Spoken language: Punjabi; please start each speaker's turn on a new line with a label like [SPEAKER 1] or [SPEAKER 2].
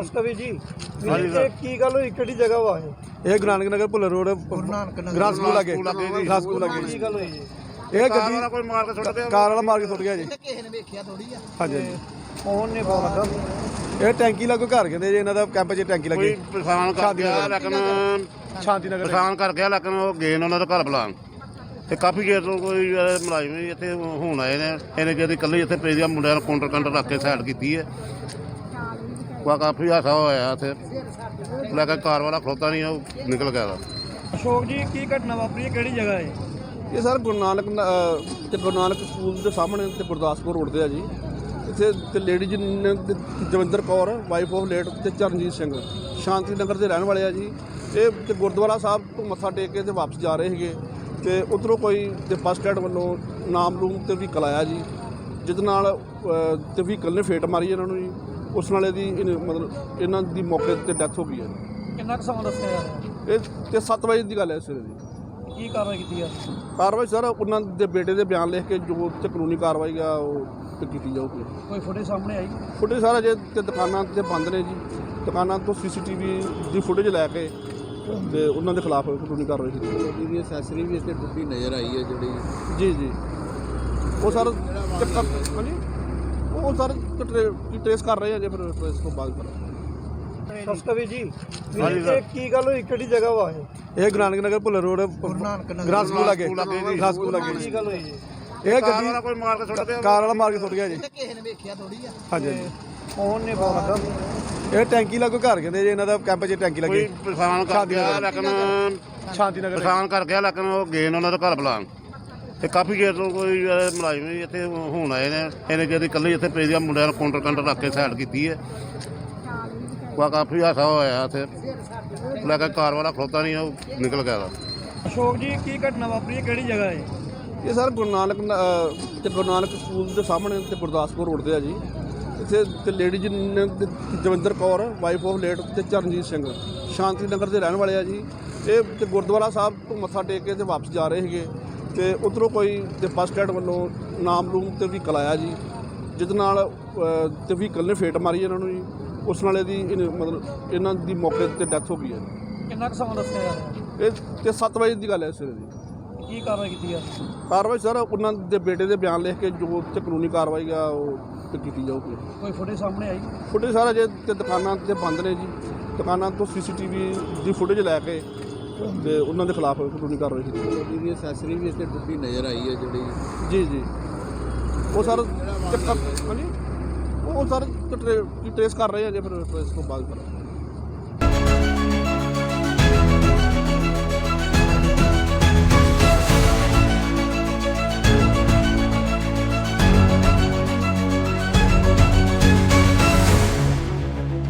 [SPEAKER 1] ਨਮਸਕਾਰ ਜੀ ਇਹ ਕੀ ਗੱਲ ਹੋਈ ਕਿਹੜੀ ਜਗ੍ਹਾ ਵਾ
[SPEAKER 2] ਇਹ Guru Nanak Nagar Bhullar road grass school ਲੱਗੇ ਗ੍ਰਾਸ ਸਕੂਲ ਲੱਗੇ
[SPEAKER 1] ਕੀ ਗੱਲ ਹੋਈ ਜੀ
[SPEAKER 2] ਇਹ ਗੱਡੀ ਕੋਈ ਮਾਰ ਕੇ ਸੁੱਟ ਗਿਆ ਕਾਰ ਵਾਲਾ ਮਾਰ ਕੇ ਸੁੱਟ ਗਿਆ ਜੀ
[SPEAKER 3] ਕਿਸੇ ਨੇ ਵੇਖਿਆ ਥੋੜੀ ਆ
[SPEAKER 2] ਹਾਂਜੀ
[SPEAKER 1] ਫੋਨ ਨੇ ਫੋਨ ਲੱਗਾ
[SPEAKER 2] ਇਹ ਟੈਂਕੀ ਲੱਗੋ ਘਰ ਕਹਿੰਦੇ ਜੀ ਇਹਨਾਂ ਦਾ ਕੈਂਪ 'ਚ ਟੈਂਕੀ ਲੱਗੀ
[SPEAKER 4] ਪਛਾਣ ਕਰ ਗਿਆ ਲੇਕਿਨ
[SPEAKER 2] ਸ਼ਾਂਤੀ ਨਗਰ
[SPEAKER 4] ਪਛਾਣ ਕਰ ਗਿਆ ਲੇਕਿਨ ਉਹ ਗਏ ਨੇ ਉਹਨਾਂ ਦਾ ਘਰ ਬੁਲਾਉਣ ਤੇ ਕਾਫੀ ਚਿਰ ਤੋਂ ਕੋਈ ਮੁਲਾਜ਼ਮ ਵੀ ਇੱਥੇ ਹੁਣ ਆਏ ਨੇ ਇਹਨੇ ਜਿਹੜੀ ਇਕੱਲੇ ਇੱਥੇ ਪਈ ਦੀਆਂ ਮੁੰਡਿਆਂ ਨੂੰ ਕਾਊਂਟਰ ਰੱਖ ਕੇ ਸਾਈਡ ਕੀਤੀ ਹੈ ਕਾਫੀ ਹਾਸਾ ਹੋਇਆ ਇੱਥੇ ਲੈ ਕੇ ਕਾਰ ਵਾਲਾ ਖਲੋਤਾ ਨਹੀਂ ਉਹ ਨਿਕਲ ਗਿਆ
[SPEAKER 1] ਅਸ਼ੋਕ ਜੀ ਕੀ ਘਟਨਾ ਵਾਪਰੀ ਹੈ ਕਿਹੜੀ ਜਗ੍ਹਾ ਹੈ
[SPEAKER 2] ਇਹ ਸਰ ਗੁਰੂ ਨਾਨਕ ਸਕੂਲ ਦੇ ਸਾਹਮਣੇ ਤੇ ਗੁਰਦਾਸਪੁਰ ਰੋਡ ਤੇ ਆ ਜੀ ਇੱਥੇ ਤੇ ਲੇਡੀ ਜੀ ਨੇ Jawinder Kaur wife of late ਤੇ ਚਰਨਜੀਤ ਸਿੰਘ ਸ਼ਾਂਤੀ ਨਗਰ ਦੇ ਰਹਿਣ ਵਾਲੇ ਆ ਜੀ ਇਹ ਤੇ ਗੁਰਦੁਆਰਾ ਸਾਹਿਬ ਤੋਂ ਮੱਥਾ ਟੇਕ ਕੇ ਤੇ ਵਾਪਸ ਜਾ ਰਹੇ ਸੀਗੇ ਤੇ ਉੱਧਰੋਂ ਕੋਈ ਤੇ ਬੱਸ ਸਟੈਂਡ ਵੱਲੋਂ ਨਾਮ ਰੂਮ ਤੇ ਵਹੀਕਲ ਆਇਆ ਜੀ ਜਿਹਦੇ ਨਾਲ ਤੇ ਵਹੀਕਲ ਨੇ ਫੇਟ ਮਾਰੀ ਇਹਨਾਂ ਨੂੰ ਜੀ ਉਸ ਨਾਲ ਮਤਲਬ ਇਹਨਾਂ ਦੀ ਮੌਕੇ ਤੇ ਡੈਥ ਹੋ ਗਈ ਹੈ
[SPEAKER 1] ਕਿੰਨਾ ਕੁ ਸਮਾਂ ਦੱਸਿਆ ਯਾਰ
[SPEAKER 2] ਇਹ ਤੇ 7 ਵਜੇ ਦੀ ਗੱਲ ਹੈ ਸਵੇਰੇ ਦੀ
[SPEAKER 1] ਕੀ ਕਾਰਵਾਈ ਕੀਤੀ ਆ
[SPEAKER 2] ਕਾਰਵਾਈ ਸਰ ਉਹਨਾਂ ਦੇ ਬੇਟੇ ਦੇ ਬਿਆਨ ਲਿਖ ਕੇ ਜੋ ਤੇ ਕਾਨੂੰਨੀ ਕਾਰਵਾਈ ਆ ਉਹ ਤੇ ਕੀਤੀ ਜਾਊਗੀ
[SPEAKER 1] ਕੋਈ ਫੁਟੇਜ ਸਾਹਮਣੇ ਆਈ
[SPEAKER 2] ਫੁਟੇਜ ਸਾਰਾ ਜੇ ਤੇ ਦੁਕਾਨਾਂ ਤੇ ਬੰਦ ਨੇ ਜੀ ਦੁਕਾਨਾਂ ਤੋਂ ਸੀਸੀਟੀਵੀ ਦੀ ਫੁਟੇਜ ਲੈ ਕੇ ਤੇ ਉਹਨਾਂ ਦੇ ਖਿਲਾਫ ਕਾਨੂੰਨੀ ਕਾਰਵਾਈ ਕੀਤੀ ਜਾਊਗੀ
[SPEAKER 3] ਇਹਦੀ ਅਸੈਸਰੀ ਵੀ ਇੱਥੇ ਟੁੱਟੀ ਨਜ਼ਰ ਆਈ ਹੈ ਜਿਹੜੀ
[SPEAKER 2] ਜੀ ਜੀ ਉਹ ਸਰ ਹਾਂਜੀ ਉਹ ਸਰ ਟ੍ਰੇਸ ਕਰ ਰਹੇ ਆ ਜੇ ਫਿਰ ਟ੍ਰੇਸ ਤੋਂ ਬਾਅਦ ਕਰਾਂਗੇ
[SPEAKER 1] ਨਮਸਕਾਰ ਜੀ ਇਹ ਕੀ ਗੱਲ ਹੋਈ ਕਿਹੜੀ ਜਗ੍ਹਾ ਵਾ
[SPEAKER 2] ਇਹ Guru Nanak Nagar Bhullar road grass school ਲੱਗੇ ਗ੍ਰਾਸ ਸਕੂਲ ਲੱਗੇ
[SPEAKER 1] ਕੀ ਗੱਲ ਹੋਈ ਜੀ
[SPEAKER 2] ਇਹ ਗੱਡੀ
[SPEAKER 4] ਕੋਈ ਮਾਰ ਕੇ ਸੁੱਟ ਗਿਆ
[SPEAKER 2] ਕਾਰ ਵਾਲਾ ਮਾਰ ਕੇ ਸੁੱਟ ਗਿਆ ਜੀ
[SPEAKER 3] ਕਿਸੇ ਨੇ ਵੇਖਿਆ ਥੋੜੀ ਆ
[SPEAKER 2] ਹਾਂਜੀ
[SPEAKER 1] ਫੋਨ ਨੇ ਫੋਨ ਲੱਗਾ
[SPEAKER 2] ਇਹ ਟੈਂਕੀ ਲੱਗੋ ਘਰ ਕਹਿੰਦੇ ਜੀ ਇਹਨਾਂ ਦਾ ਕੈਂਪ 'ਚ ਟੈਂਕੀ ਲੱਗੀ
[SPEAKER 4] ਕੋਈ ਪਛਾਣ ਕਰ ਗਿਆ ਲੇਕਿਨ
[SPEAKER 2] ਸ਼ਾਂਤੀ ਨਗਰ
[SPEAKER 4] ਪਛਾਣ ਕਰ ਗਿਆ ਲੇਕਿਨ ਉਹ ਗਏ ਨੇ ਉਹਨਾਂ ਦਾ ਘਰ ਬੁਲਾਉਣ ਤੇ ਕਾਫੀ ਚਿਰ ਤੋਂ ਕੋਈ ਮੁਲਾਜ਼ਮ ਵੀ ਇੱਥੇ ਹੁਣ ਆਏ ਨੇ ਇਹਨੇ ਜਿਹੜੀ ਇਕੱਲੇ ਇੱਥੇ ਪਈ ਦੀਆਂ ਮੁੰਡਿਆਂ ਨੂੰ ਕਾਊਂਟਰ ਰੱਖ ਕੇ ਸਾਈਡ ਕੀਤੀ ਹੈ ਕਾਫੀ ਹਾਸਾ ਹੋਇਆ ਇੱਥੇ ਲੈ ਕੇ ਕਾਰ ਵਾਲਾ ਖਲੋਤਾ ਨਹੀਂ ਉਹ ਨਿਕਲ ਗਿਆ
[SPEAKER 1] ਅਸ਼ੋਕ ਜੀ ਕੀ ਘਟਨਾ ਵਾਪਰੀ ਹੈ ਕਿਹੜੀ ਜਗ੍ਹਾ ਹੈ
[SPEAKER 2] ਇਹ ਸਰ ਗੁਰੂ ਨਾਨਕ ਸਕੂਲ ਦੇ ਸਾਹਮਣੇ ਤੇ ਗੁਰਦਾਸਪੁਰ ਰੋਡ ਤੇ ਆ ਜੀ ਇੱਥੇ ਤੇ ਲੇਡੀ ਜੀ ਨੇ Jawinder Kaur wife of late ਤੇ ਚਰਨਜੀਤ ਸਿੰਘ ਸ਼ਾਂਤੀ ਨਗਰ ਦੇ ਰਹਿਣ ਵਾਲੇ ਆ ਜੀ ਇਹ ਤੇ ਗੁਰਦੁਆਰਾ ਸਾਹਿਬ ਤੋਂ ਮੱਥਾ ਟੇਕ ਕੇ ਤੇ ਵਾਪਸ ਜਾ ਰਹੇ ਸੀਗੇ ਤੇ ਉੱਧਰੋਂ ਕੋਈ ਤੇ ਬੱਸ ਸਟੈਂਡ ਵੱਲੋਂ ਨਾਮ ਰੂਮ ਤੇ ਵਹੀਕਲ ਆਇਆ ਜੀ ਜਿਹਦੇ ਨਾਲ ਤੇ ਵਹੀਕਲ ਨੇ ਫੇਟ ਮਾਰੀ ਇਹਨਾਂ ਨੂੰ ਜੀ ਉਸ ਨਾਲ ਮਤਲਬ ਇਹਨਾਂ ਦੀ ਮੌਕੇ ਤੇ ਡੈਥ ਹੋ ਗਈ ਹੈ
[SPEAKER 1] ਕਿੰਨਾ ਕੁ ਸਮਾਂ ਦੱਸਿਆ ਯਾਰ
[SPEAKER 2] ਇਹ ਤੇ 7 ਵਜੇ ਦੀ ਗੱਲ ਹੈ ਸਵੇਰੇ ਦੀ
[SPEAKER 1] ਕੀ ਕਾਰਵਾਈ ਕੀਤੀ ਆ
[SPEAKER 2] ਕਾਰਵਾਈ ਸਰ ਉਹਨਾਂ ਦੇ ਬੇਟੇ ਦੇ ਬਿਆਨ ਲਿਖ ਕੇ ਜੋ ਤੇ ਕਾਨੂੰਨੀ ਕਾਰਵਾਈ ਆ ਉਹ ਤੇ ਕੀਤੀ ਜਾਊਗੀ
[SPEAKER 1] ਕੋਈ ਫੁਟੇਜ ਸਾਹਮਣੇ ਆਈ
[SPEAKER 2] ਫੁਟੇਜ ਸਾਰਾ ਜੇ ਤੇ ਦੁਕਾਨਾਂ ਤੇ ਬੰਦ ਨੇ ਜੀ ਦੁਕਾਨਾਂ ਤੋਂ ਸੀਸੀਟੀਵੀ ਦੀ ਫੁਟੇਜ ਲੈ ਕੇ ਤੇ ਉਹਨਾਂ ਦੇ ਖਿਲਾਫ ਕਾਨੂੰਨੀ ਕਾਰਵਾਈ ਕੀਤੀ ਜਾਊਗੀ
[SPEAKER 3] ਇਹਦੀ ਅਸੈਸਰੀ ਵੀ ਇੱਥੇ ਟੁੱਟੀ ਨਜ਼ਰ ਆਈ ਹੈ ਜਿਹੜੀ
[SPEAKER 2] ਜੀ ਜੀ ਉਹ ਸਰ ਹਾਂਜੀ ਉਹ ਸਰ ਟ੍ਰੇਸ ਕਰ ਰਹੇ ਆ ਜੇ ਫਿਰ ਟ੍ਰੇਸ ਤੋਂ ਬਾਅਦ ਕਰਾਂਗੇ